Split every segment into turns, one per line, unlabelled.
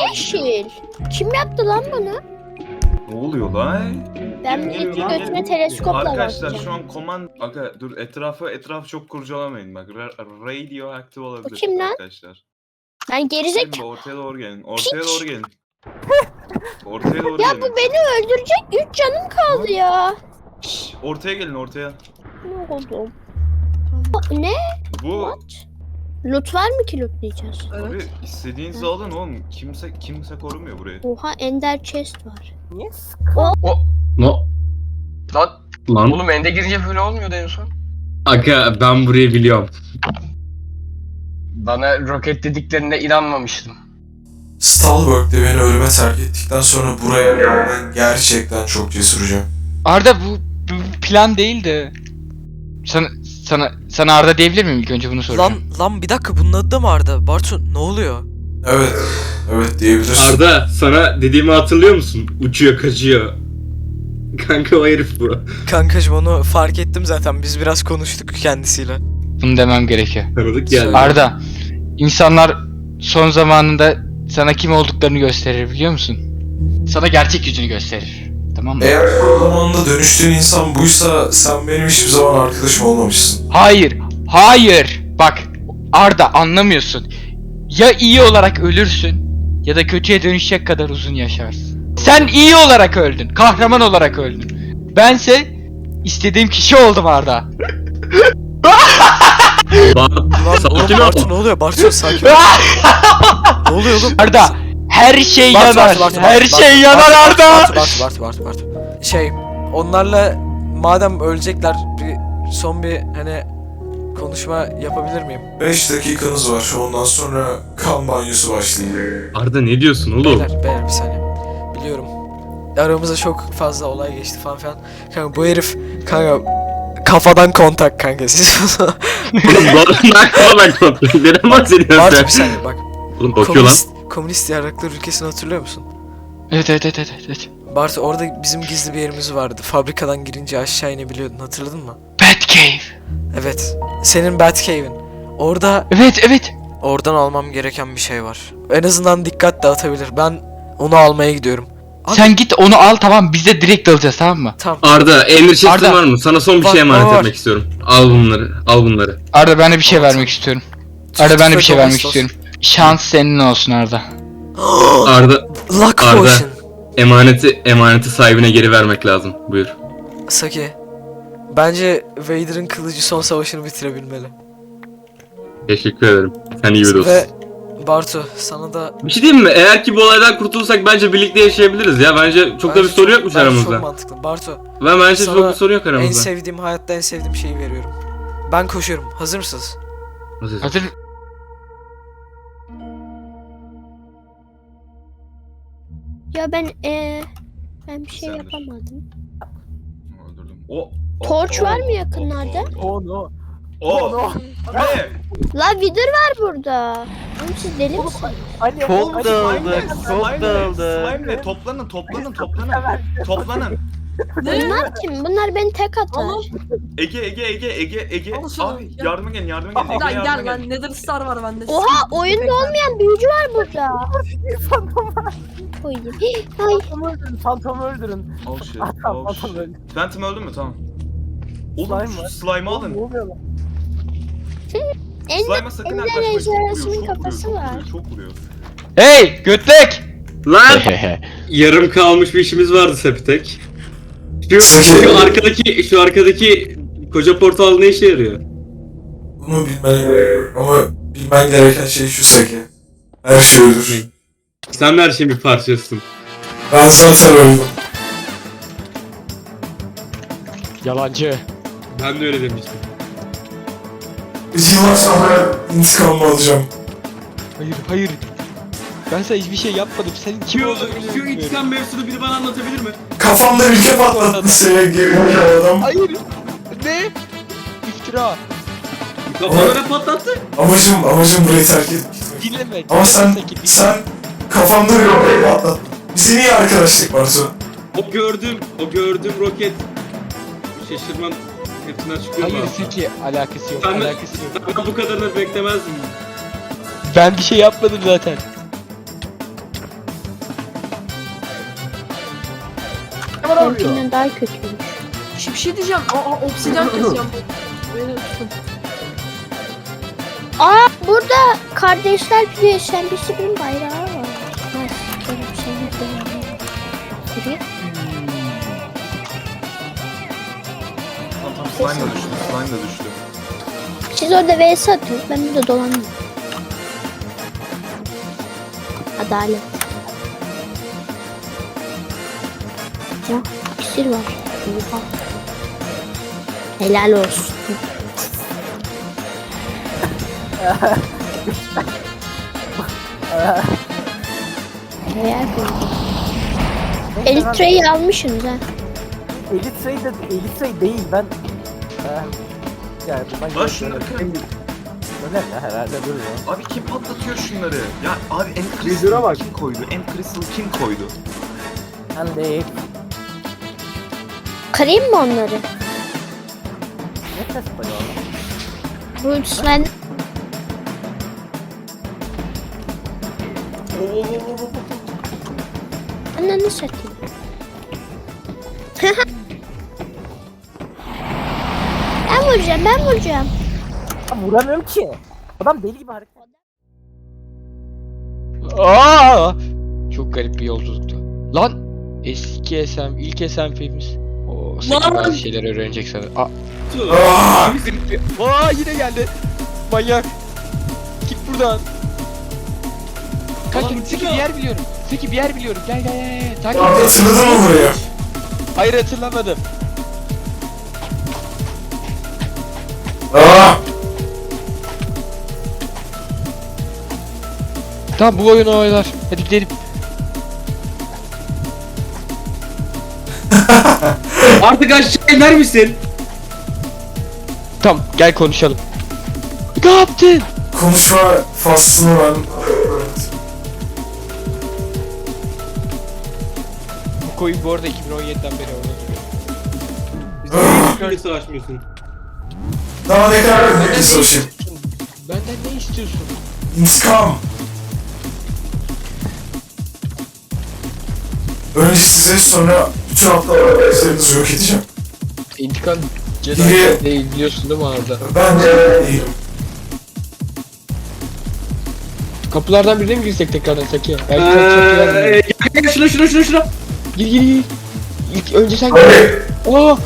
yeşil? Kim yaptı lan bunu?
Ne oluyor lan?
Ben
Gelin,
milletin
gelin,
götüne
gelin.
teleskopla
Arkadaşlar
bakacağım.
şu an command... Aga dur etrafı çok kurcalamayın bak. Radioaktif olabilir
kim lan?
arkadaşlar.
Ben gerizek.
Gelin ortaya doğru gelin. Ortaya doğru gelin. Ortaya doğru
Ya
gelin.
bu beni öldürecek. 3 canım kaldı ya.
Şşş, ortaya gelin ortaya.
Ne oldu? Ne?
Bu
What? Loot var mı ki lootlayacağız?
abi istediğinizi alın oğlum. Kimse korumuyor burayı.
Oha ender chest var.
Yes.
No.
Lan
Lan.
oğlum ende girince böyle olmuyordu en son.
Aga ben burayı biliyorum.
Bana roket dediklerine inanmamıştım.
Stalberg'de beni ölüme terk ettikten sonra buraya gelmen gerçekten çok cesurca.
Arda bu plan değildi. Sana Arda diyebilir miyim ilk önce bunu soracağım.
Lan bir dakika bunun adı da mı Arda? Bartu ne oluyor?
Evet diyebilirsin.
Arda sana dediğimi hatırlıyor musun? Uçuyor kaçıyor. Kanka o herif bu.
Kankacım onu fark ettim zaten. Biz biraz konuştuk kendisiyle.
Bunu demem gerekiyor.
Tanıdık geldi.
Söyle.
Arda, insanlar son zamanında sana kim olduklarını gösterir biliyor musun? Sana gerçek yüzünü gösterir. Tamam mı?
Eğer zamanında dönüştüğün insan buysa sen benim hiçbir zaman arkadaşım olmamışsın.
Hayır. Bak, Arda anlamıyorsun. Ya iyi olarak ölürsün ya da kötüye dönüşecek kadar uzun yaşarsın. Sen iyi olarak öldün, kahraman olarak öldün. Bense istediğim kişi oldum Arda.
Sakin ol.
Bartu ne oluyor? Bartu sakin ol. Ne oluyor oğlum?
Arda, her şey
Bartu,
yanar.
Bartu,
Her
Bartu,
şey
Bartu,
yanar
Bartu,
Arda.
Bartu. Onlarla madem ölecekler son bir hani konuşma yapabilir miyim?
5 dakikanız var. Ondan sonra kan banyosu başlayacak.
Arda ne diyorsun oğlum?
Beyler bir saniye. Biliyorum. Aramızda çok fazla olay geçti falan filan. Kanka bu herif kafadan kontak kanka siz.
Oğlum bana kontrol. Neden bahsediyorsun
Bartu
sen?
bir saniye bak.
Oğlum bakıyor lan.
Komünist yarraklar ülkesini hatırlıyor musun?
Evet.
Bartu orada bizim gizli bir yerimiz vardı. Fabrikadan girince aşağı inebiliyordun, hatırladın mı?
Batcave.
Evet. Senin Batcave'in. Orada
Evet.
oradan almam gereken bir şey var. En azından dikkat dağıtabilir. Ben onu almaya gidiyorum. Abi-
Sen git onu al, tamam, biz de direkt alacağız, tamam mı?
Tamam.
Arda emir chest'in
Arda.
var mı? Sana son bir
Var,
şey emanet
var.
etmek istiyorum. Al bunları.
Arda, ben de bir şey
Evet.
vermek istiyorum. Arda, ben de bir şey vermek
Domestos.
istiyorum. Şans senin olsun Arda.
Arda
Luck
Arda.
Potion.
emaneti sahibine geri vermek lazım. Buyur.
Saki. Bence Vader'ın kılıcı son savaşını bitirebilmeli.
Teşekkür ederim. Sen iyi bir dostsun.
Ve Bartu sana da
Bir şey diyeyim mi? Eğer ki bu olaydan kurtulursak bence birlikte yaşayabiliriz ya. Bence çok da bir sorun yokmuş
bence
aramızda.
Çok mantıklı. Bartu
Bence
Sana
çok bir sorun yok
en
aramızda.
sevdiğim, hayatta en sevdiğim şeyi veriyorum. Ben koşuyorum. Hazır mısınız?
Hazır.
Ya ben bir şey
Sendir.
yapamadım.
Öldürdüm.
Torç var mı yakınlarda?
Oh no.
Ne?
La Wither var burada. Oğlum siz deli misiniz?
Çok dağıldık.
Slime ne? Toplanın. Toplanın.
Bunlar kim? Bunlar beni tek atar.
Ege.
Al şunu,
Abi
gel.
yardıma gelin. Ege
Lan
yardıma
gel
gelin.
lan Nether Star var bende.
Oha oyunda olmayan büyücü var burada. Koyayım. Ay
Fantomu öldürün.
Oh shit.
Fantom öldü.
Phantom öldü mü? Tamam. Oğlum
Slime
şu
var.
slime'ı alın. Slime'a sakın
Ender
yaklaşmayın.
ejderhasının kafası var.
Çok vuruyor.
Hey götlek!
Lan! Yarım kalmış bir işimiz vardı Sepitek. Şu arkadaki koca portal ne işe yarıyor?
Bunu bilmen gerekiyor. Ama bilmen gereken şey şu Saki. Her şey ölür.
Sen de her şeyin bir parçasısın.
Ben zaten öldüm.
Yalancı.
Ben de öyle demiştim.
Bir yıllar sonra intikamımı alacağım.
Hayır. Ben sana hiçbir şey yapmadım. Sen kim olduğunu
Şu
bilmiyorum.
intikam mevzusunu biri bana anlatabilir mi?
Kafamda ülke patlattı seni gerizekalı adam.
Hayır. Ne? İftira.
Kafalara patlattı.
Amacım burayı terk etmek.
Dinleme.
Ama sen kafamda bir ülkeyi patlattın. Biz niye arkadaşlık var sonra?
O gördüğüm roket. Şaşırmam hepsinden çıkıyor mu?
Hayır Seki, alakası yok.
Sen ben bu kadarını beklemezdim.
Ben bir şey yapmadım zaten.
arıyor.
Benimkinden daha kötüymüş.
Bir şey diyeceğim. Obsidyen keseceğim. Beni tutun.
Aa burada kardeşler bir SMBC'nin bayrağı var. Ben sikerim seni beğendim. Buraya.
Tamam slime da düştü. Slime da düştü.
Siz orada vs atıyorsunuz. Ben burada dolanıyorum. Adalet. Oh, iksir var. Oha. Helal olsun. Helal olsun. Elitre'yi almışsınız ha.
Elitre değil ben. Yani bundan
Lan şunları kırın.
Öyle herhalde dur ya.
Abi kim patlatıyor şunları? Ya abi End
Vizyona
Crystal
bak.
kim koydu? End Crystal kim koydu?
Ben de
Kırayım mı onları?
ne ses koyuyor?
Bu slime... Ananı satayım. ben vuracağım.
Ya vuramıyorum ki. Adam deli gibi hareket.
Aa! Çok garip bir yolculuktu. Lan eski SM, ilk SMP'miz. O Saki bazı şeyler öğrenecek sanırım.
Ah!
Aa yine geldi. Manyak. Git buradan. Kanka Saki bir yer biliyorum. Saki bir yer biliyorum. Gel gel gel. Takip
Arda
et.
hatırladın mı burayı?
Hayır hatırlamadım.
Ah!
Tamam bu oyunu oynar. Hadi gidelim.
Artık aşağı iner misin?
Tamam gel konuşalım. Ne yaptın?
Konuşma faslını ben...
Bu koyun bu arada 2017'den beri orada duruyor.
Böyle savaşmıyorsun.
Daha ne kadar bekle savaşayım.
Benden ne istiyorsun?
İntikam. Önce size sonra bütün atlar üzerinizi yok edeceğim.
İntikam
Biri-
değil biliyorsun değil mi Arda?
Ben de değilim.
Kapılardan birine mi girsek tekrardan Saki? Belki çok güzel.
Şuna.
Gir. İlk önce sen gir.
Hadi.
Aa!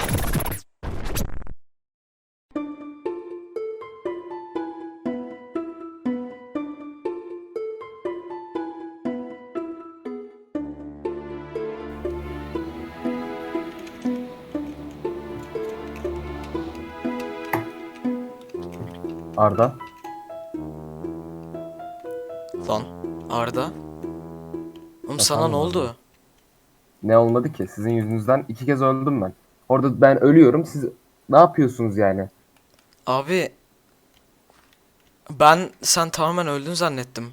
Arda.
Lan Arda. Oğlum sana ne oldu?
Ne olmadı ki? Sizin yüzünüzden 2 kez öldüm ben. Orada ben ölüyorum. Siz ne yapıyorsunuz yani?
Abi ben sen tamamen öldün zannettim.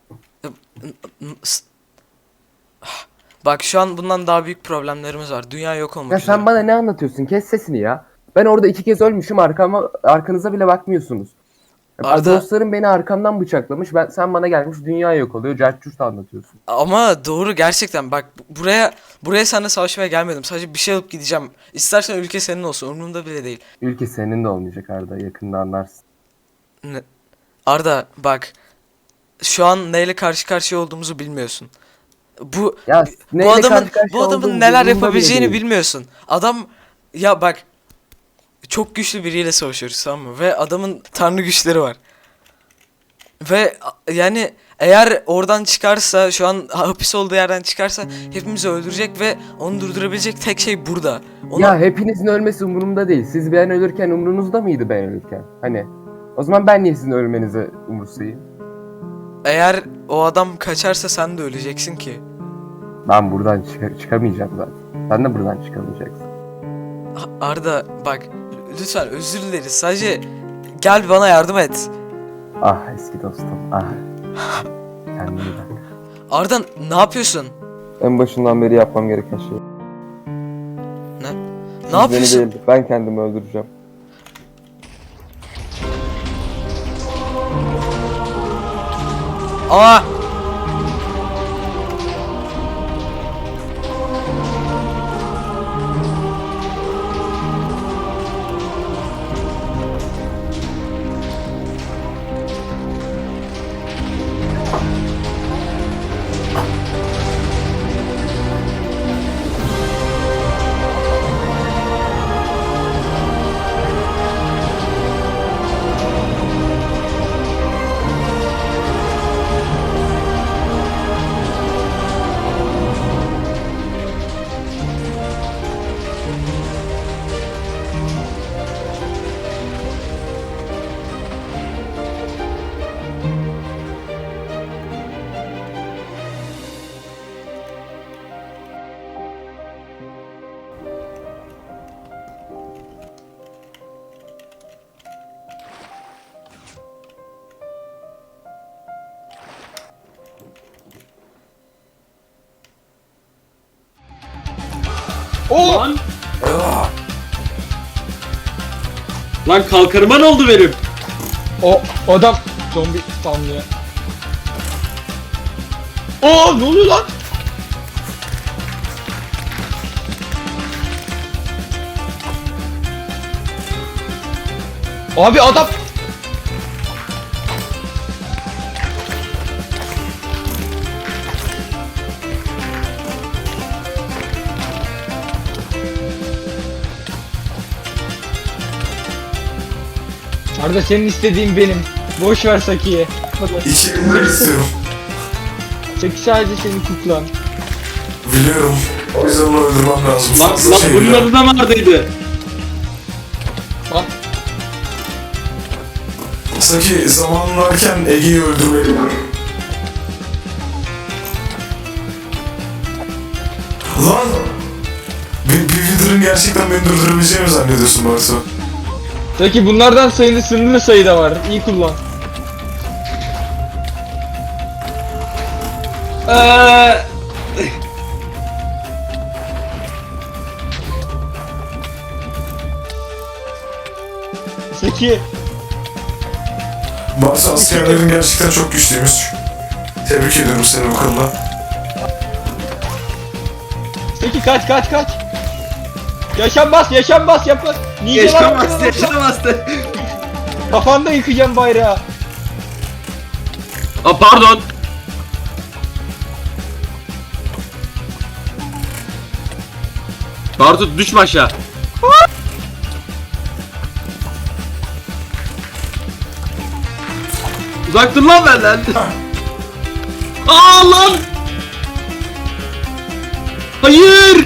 Bak şu an bundan daha büyük problemlerimiz var. Dünya yok olmak
Ya
üzere.
sen bana ne anlatıyorsun? Kes sesini ya. Ben orada 2 kez ölmüşüm. Arkanıza bile bakmıyorsunuz.
Arda-
Dostlarım beni arkamdan bıçaklamış. Sen bana gelmiş dünya yok oluyor. Cartçurt anlatıyorsun.
Ama doğru gerçekten bak buraya seninle savaşmaya gelmedim. Sadece bir şey alıp gideceğim. İstersen ülke senin olsun umurumda bile değil.
Ülke senin de olmayacak Arda. Yakında anlarsın.
Arda bak şu an neyle karşı karşıya olduğumuzu bilmiyorsun. Bu
Ya neyle
bu adamın
karşı karşıya
bu adamın
olduğum
neler
umurumda bile
yapabileceğini
değil.
bilmiyorsun. Adam ya bak çok güçlü biriyle savaşıyoruz tamam mı? Ve adamın tanrı güçleri var. Ve yani eğer oradan çıkarsa şu an hapis olduğu yerden çıkarsa hepimizi öldürecek ve onu durdurabilecek tek şey burada. Onu
Ya hepinizin ölmesi umurumda değil. Siz ben ölürken umurunuzda mıydı ben ölürken? Hani o zaman ben niye sizin ölmenizi umursayayım?
eğer o adam kaçarsa sen de öleceksin ki.
Ben buradan çıkamayacağım zaten. Sen de buradan çıkamayacaksın.
Arda bak lütfen özür dileriz. Sadece gel bana yardım et.
Ah eski dostum. Ah. Kendine iyi bak.
Arda ne yapıyorsun?
En başından beri yapmam gereken şey.
Ne yapıyorsun?
Beni değil, ben kendimi öldüreceğim.
Aa!
Oo!
Lan. Lan kalkarıma ne oldu benim?
O adam zombi spamlıyor. Oo ne oluyor lan? Abi adam Arda senin istediğin benim. Boş ver Saki'yi.
2 binler istiyorum.
Saki sadece senin kuklan.
Biliyorum. O yüzden onu öldürmem lazım.
Lan,
Fazla şey
bunun
biliyorum.
adı da neredeydi?
Lan
Saki zamanın varken Ege'yi öldürmeliyim. Lan! Bir Wither'ın gerçekten beni durdurabileceğini mi zannediyorsun Bartu?
Saki bunlardan sayılı sınırlı sayıda var. İyi kullan. Saki
Bartu askerlerin gerçekten çok güçlüymüş. Tebrik ediyorum seni bu konuda.
Saki kaç. Yaşanmaz yapın.
Yaşamazdı.
Kafanda yıkacağım bayrağı.
Aa pardon. Bartu düşme aşağı. Uzak dur lan benden. Aa lan. Hayır.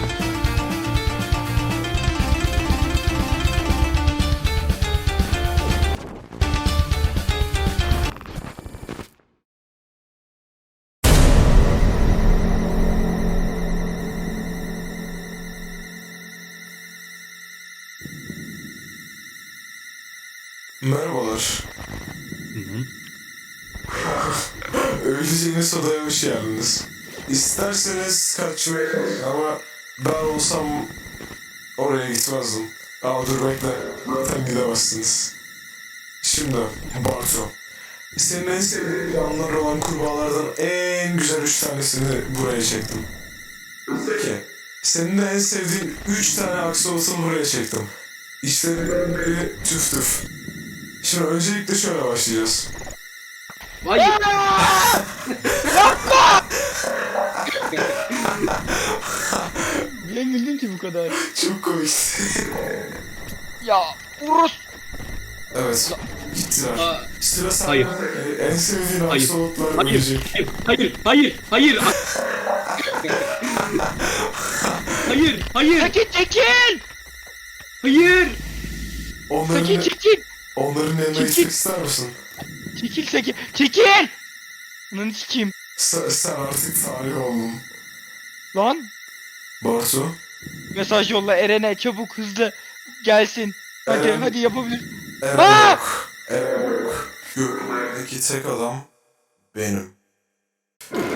Merhabalar. Öleceğiniz odaya hoş geldiniz. İsterseniz kaçmayı ama ben olsam oraya gitmezdim. Ama dur bekle, zaten gidemezsiniz. Şimdi Bartu, senin en sevdiğin yanları olan kurbağalardan en güzel 3 tanesini buraya çektim. Peki, senin de en sevdiğin 3 tane aksolotunu buraya çektim. İşlerinden biri tüf tüf. Şimdi öncelikle şöyle başlayacağız.
Hayır.
Niye güldün ki bu kadar?
Çok komik.
Ya Urus.
Evet, gittiler. Sıra sende.
Hayır.
En sevdiğin
Hayır.
aksolotlar ölecek.
Hayır. Hayır.
Çekil.
Hayır.
Onların,
Çekil.
onların yanına
Çekil.
gitmek ister misin?
Çekil. Lan sikeyim.
Sen artık tarih oldun.
Lan
Bartu,
mesaj yolla Eren'e çabuk hızlı gelsin.
Eren.
Hadi yapabilir.
Eren
Aa!
yok. Eren yok. Görünmerdeki tek adam benim.